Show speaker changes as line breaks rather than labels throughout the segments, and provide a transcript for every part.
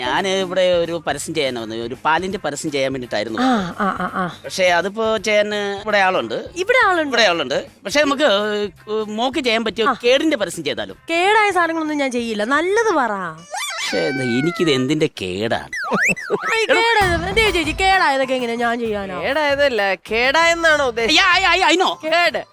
ഞാൻ ഇവിടെ ഒരു പരസ്യം ചെയ്യാൻ വന്നു, ഒരു പാലിന്റെ പരസ്യം ചെയ്യാൻ വേണ്ടിട്ടായിരുന്നു. പക്ഷെ അതിപ്പോ ചെയ്യാൻ ഇവിടെ ആളുണ്ട്. പക്ഷെ നമുക്ക് മോക്ക് ചെയ്യാൻ പറ്റിയ കേടിന്റെ പരസ്യം ചെയ്താലും.
കേടായ സാധനങ്ങളൊന്നും ഞാൻ ചെയ്യില്ല, നല്ലത് പറ.
പക്ഷെ എനിക്കിത് എന്തിന്റെ കേടാണ്?
ചേച്ചി കേടായതൊക്കെ എങ്ങനെ ഞാൻ ചെയ്യാനോ?
കേടായതല്ല, കേടായെന്നാണോ ഉദ്ദേശിച്ചത്?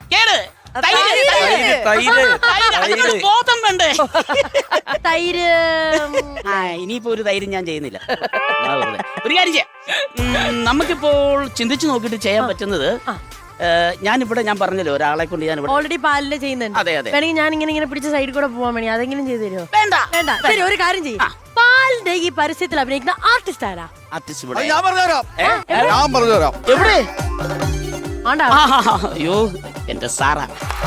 ബോധം വേണ്ടേ?
തൈര്.
ഇനിയിപ്പോ ഒരു തൈര് ഞാൻ ചെയ്യുന്നില്ല. ഒരു കാര്യം ചെയ്യാം, നമുക്കിപ്പോൾ ചിന്തിച്ചു നോക്കിട്ട് ചെയ്യാൻ പറ്റുന്നത്, ഞാൻ പറഞ്ഞല്ലോ ഒരാളെ കൊണ്ട് ഞാൻ
ഓൾറെഡി പാലില് ചെയ്യുന്നുണ്ട്.
അതെ അതെ.
വേണമെങ്കിൽ ഞാൻ ഇങ്ങനെ പിടിച്ച സൈഡിൽ കൂടെ പോവാൻ വേണ്ടി അതെങ്കിലും ചെയ്തു തരുമോ?
വേണ്ട
വേണ്ട. ശരി, ഒരു കാര്യം ചെയ്യും. പാലിന്റെ ഈ പരസ്യത്തിൽ അഭിനയിക്കുന്ന ആർട്ടിസ്റ്റ് ആരാ?
ആർട്ടിസ്റ്റ്
ഞാൻ പറഞ്ഞുതരാം.
എവിടെ?
ആണ്ടാ.
അയ്യോ എന്റെ സാറാ.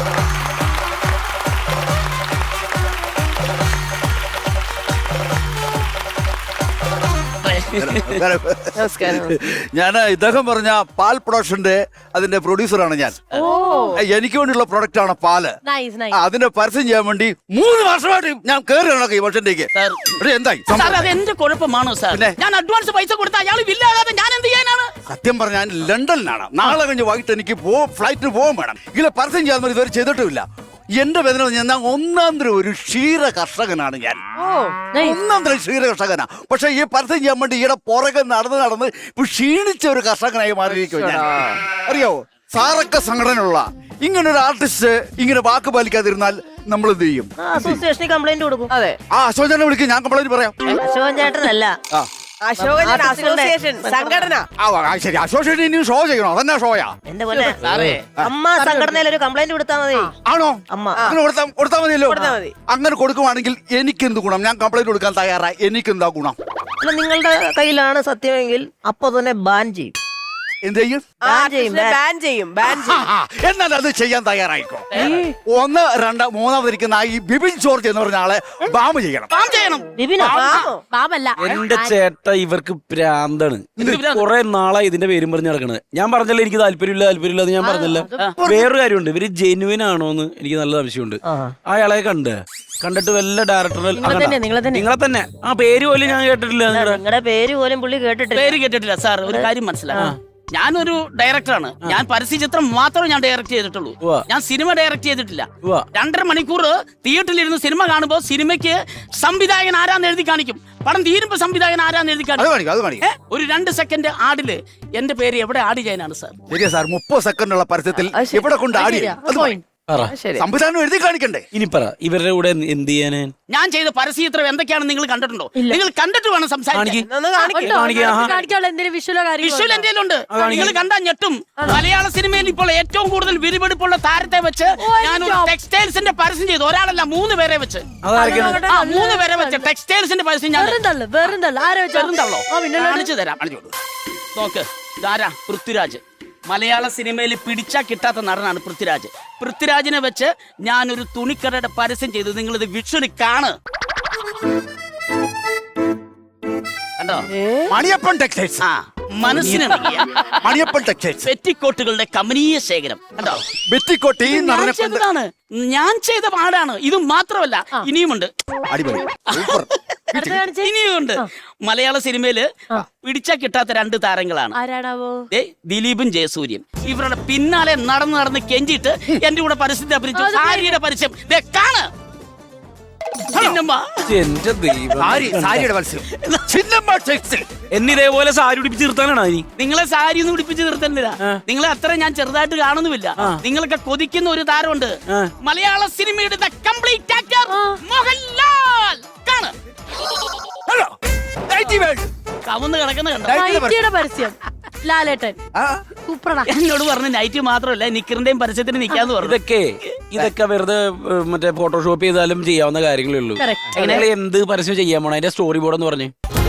നമസ്കാരം.
ഞാൻ ഇദ്ദേഹം പറഞ്ഞ പാൽ പ്രൊഡക്ഷന്റെ അതിന്റെ പ്രൊഡ്യൂസറാണ് ഞാൻ. എനിക്ക് വേണ്ടിയുള്ള പ്രൊഡക്റ്റ് ആണ് പാല്. അതിന്റെ പരസ്യം ചെയ്യാൻ വേണ്ടി 3 വർഷമായിട്ട് ഞാൻ കയറി നടക്കും ഈ വർഷത്തേക്ക്. എന്തായി?
അത് എന്റെ കുഴപ്പമാണോ സാർ? ഞാൻ അഡ്വാൻസ് പൈസ കൊടുത്ത അയാൾ വില്ലാതെ ഞാൻ എന്ത് ചെയ്യാനാണ്?
സത്യം പറഞ്ഞാൽ ഞാൻ ലണ്ടനിലാണ്. നാളെ കഴിഞ്ഞ് വൈകിട്ട് എനിക്ക് ഫ്ലൈറ്റിന് പോകാൻ വേണം. ഇതിലെ പരസ്യം ചെയ്യാൻ ഇതുവരെ ചെയ്തിട്ടുമില്ല. എന്റെ വേദന ഞാൻ ഒന്നാന്തരം ഒരു ക്ഷീര കർഷകനാണ്. ഞാൻ ഒന്നാന്തരം ക്ഷീര കർഷകനാ. പക്ഷെ ഈ പരസ്യം ചെയ്യാൻ വേണ്ടി ഈടെ പുറകെ നടന്ന് ഇപ്പൊ ക്ഷീണിച്ച ഒരു കർഷകനായി മാറിയിരിക്കും ഞാൻ. അറിയാവോ, സാറൊക്കെ സംഘടനയുള്ള ഇങ്ങനെ ഒരു ആർട്ടിസ്റ്റ് ഇങ്ങനെ വാക്ക് പാലിക്കാതിരുന്നാൽ നമ്മൾ എന്ത് ചെയ്യും?
അസോസിയേഷനിൽ കംപ്ലൈന്റ് കൊടുക്കും.
അതെ,
അശോകൻ ചേട്ടനെ വിളിക്കും, ഞാൻ കംപ്ലൈന്റ് പറയാം.
അശോകൻ ചേട്ടനല്ല,
അസോസിയേഷൻ സംഘടന.
ശരി, അസോസിയേഷൻ ഇനിയും ഷോ ചെയ്യണോ? അതന്നെ ഷോയാ.
എന്റെ പോലെ അമ്മ സംഘടനയിൽ ഒരു കംപ്ലൈന്റ് കൊടുത്താൽ മതി.
ആണോ?
അമ്മ
അങ്ങനെ കൊടുത്താൽ മതിയല്ലോ. അങ്ങനെ കൊടുക്കുവാണെങ്കിൽ എനിക്കെന്ത് ഗുണം? ഞാൻ കംപ്ലൈന്റ് കൊടുക്കാൻ തയ്യാറായി. എനിക്കെന്താ ഗുണം?
നിങ്ങളുടെ കയ്യിലാണ് സത്യമെങ്കിൽ അപ്പൊ തന്നെ ബാൻ ചെയ്യും.
എന്ത് ചെയ്യും?
ബാൻ ചെയ്യും.
എന്നാൽ അത് ചെയ്യാൻ തയ്യാറായിക്കോ. 1, 2, 3 ഇരിക്കുന്ന ഈ ബിപിൻ ജോർജ് എന്ന് പറഞ്ഞ ആളെ ബാം ചെയ്യണം.
എന്റെ ചേട്ട ഇവർക്ക് പ്രാന്താണ്. കുറെ നാളായി ഇതിന്റെ പേരും പറഞ്ഞ് നടക്കണത്. ഞാൻ പറഞ്ഞല്ലോ എനിക്ക് താല്പര്യമില്ല അത് ഞാൻ പറഞ്ഞല്ലോ. വേറൊരു കാര്യമുണ്ട്, ഇവര് ജെന്യുവൻ ആണോന്ന് എനിക്ക് നല്ല സംശയമുണ്ട്. അയാളെ കണ്ടിട്ട് വല്ല ഡയറക്ടർ നിങ്ങളെ തന്നെ ആ പേര് പോലും ഞാൻ കേട്ടിട്ടില്ല.
നിങ്ങളുടെ പേര് പോലും പുള്ളി
കേട്ടിട്ടില്ല സാർ. ഒരു കാര്യം മനസ്സിലാക്കാം, ഞാനൊരു ഡയറക്ടറാണ്. ഞാൻ പരസ്യ ചിത്രം മാത്രമേ ഞാൻ ഡയറക്ട് ചെയ്തിട്ടുള്ളൂ. ഞാൻ സിനിമ ഡയറക്ട് ചെയ്തിട്ടില്ല. 2.5 മണിക്കൂർ തിയേറ്ററിലിരുന്ന് സിനിമ കാണുമ്പോൾ സിനിമയ്ക്ക് സംവിധായകൻ ആരാന്ന് എഴുതി കാണിക്കും. പടം തീരുമ്പോ സംവിധായകൻ ആരാന്ന് എഴുതി കാണിക്കും. ഒരു 2 സെക്കൻഡ് ആഡില് എന്റെ പേര് എവിടെ ആഡ് ചെയ്യാനാണ് സാർ?
ശരിയാ സാർ, 30 സെക്കൻഡുള്ള പരസ്യത്തിൽ എവിടെ കൊണ്ട് ആടി സംവിധാനം എഴുതി കാണിക്കണ്ടേ?
ഇനി പറ, ഇവരുടെ കൂടെ എന്ത് ചെയ്യാന്?
ഞാൻ ചെയ്ത പരസ്യ ചിത്രം എന്തൊക്കെയാണ് നിങ്ങൾ കണ്ടിട്ടുണ്ടോ? നിങ്ങൾ കണ്ടിട്ട് വേണം സംസാരിക്കാൻ. വിഷ്വൽ എന്റെ ഉണ്ട്. നിങ്ങൾ കണ്ടാൽ ഞെട്ടും. മലയാള സിനിമയിൽ ഇപ്പോൾ ഏറ്റവും കൂടുതൽ വിരിവെടുപ്പുള്ള താരത്തെ വെച്ച് ഞാൻ ഒരു ടെക്സ്റ്റൈൽസിന്റെ പരസ്യം ചെയ്തു. ഒരാളല്ല, 3 പേരെ വെച്ച്. 3 പേരെ വെച്ച് ടെക്സ്റ്റൈൽസിന്റെ പരസ്യം ഞാൻ കാണിച്ചു തരാം. നോക്ക്, ഇതാരാ? പൃഥ്വിരാജ്. മലയാള സിനിമയിൽ പിടിച്ചാ കിട്ടാത്ത നടനാണ് പൃഥ്വിരാജ്. പൃഥ്വിരാജിനെ വെച്ച് ഞാനൊരു തുണിക്കടയുടെ പരസ്യം ചെയ്തു. നിങ്ങളിത് വിഷ്വലി കാണ്. കണ്ടോ?
മണിയപ്പൻ ടെക്സ്റ്റൈൽസ്.
മനസ്സിന്
മണിയപ്പൻ ടെക്സ്റ്റൈൽസ്
പെറ്റിക്കോട്ടുകളുടെ കമനീയ ശേഖരം. കണ്ടോ?
പെറ്റിക്കോട്ട്
ഞാൻ ചെയ്ത പാടാണ്. ഇത് മാത്രമല്ല, ഇനിയുമുണ്ട്. ഇനിയുമുണ്ട്. മലയാള സിനിമയില് പിടിച്ചാ കിട്ടാത്ത 2 താരങ്ങളാണ്. ദിലീപും ജയസൂര്യയും. ഇവരുടെ പിന്നാലെ നടന്ന് കെഞ്ചിട്ട് എന്റെ കൂടെ പരസ്യത്തെ അഭിനയിച്ചു. സാരിയുടെ പരസ്യം കാണ്.
എന്നിതേപോലെ സാരി ഉടിപ്പിച്ച് നിർത്താനാണ്
നിങ്ങളെ സാരി ഒന്നും ഉടിപ്പിച്ച് നിർത്തുന്നില്ല. നിങ്ങളെ അത്ര ഞാൻ ചെറുതായിട്ട് കാണുന്നുമില്ല. നിങ്ങളൊക്കെ കൊതിക്കുന്ന ഒരു താരമുണ്ട് മലയാള സിനിമയുടെ കംപ്ലീറ്റ് ആക്ടർ മോഹൻലാൽ. കാണ്. കവന്ന് കിടക്കുന്ന
പരസ്യം ലാലേട്ടൻ
എന്നോട് പറഞ്ഞു നൈറ്റ് മാത്രമല്ല നിക്കറിന്റെയും പരസ്യത്തിന് നിൽക്കാന്ന് പറഞ്ഞു.
ഇതൊക്കെ വെറുതെ മറ്റേ ഫോട്ടോഷോപ്പ് ചെയ്താലും ചെയ്യാവുന്ന കാര്യങ്ങളേ ഉള്ളൂ. എന്ത് പരസ്യം ചെയ്യാൻ പോണോ? അതിന്റെ സ്റ്റോറി ബോർഡ് എന്ന് പറഞ്ഞു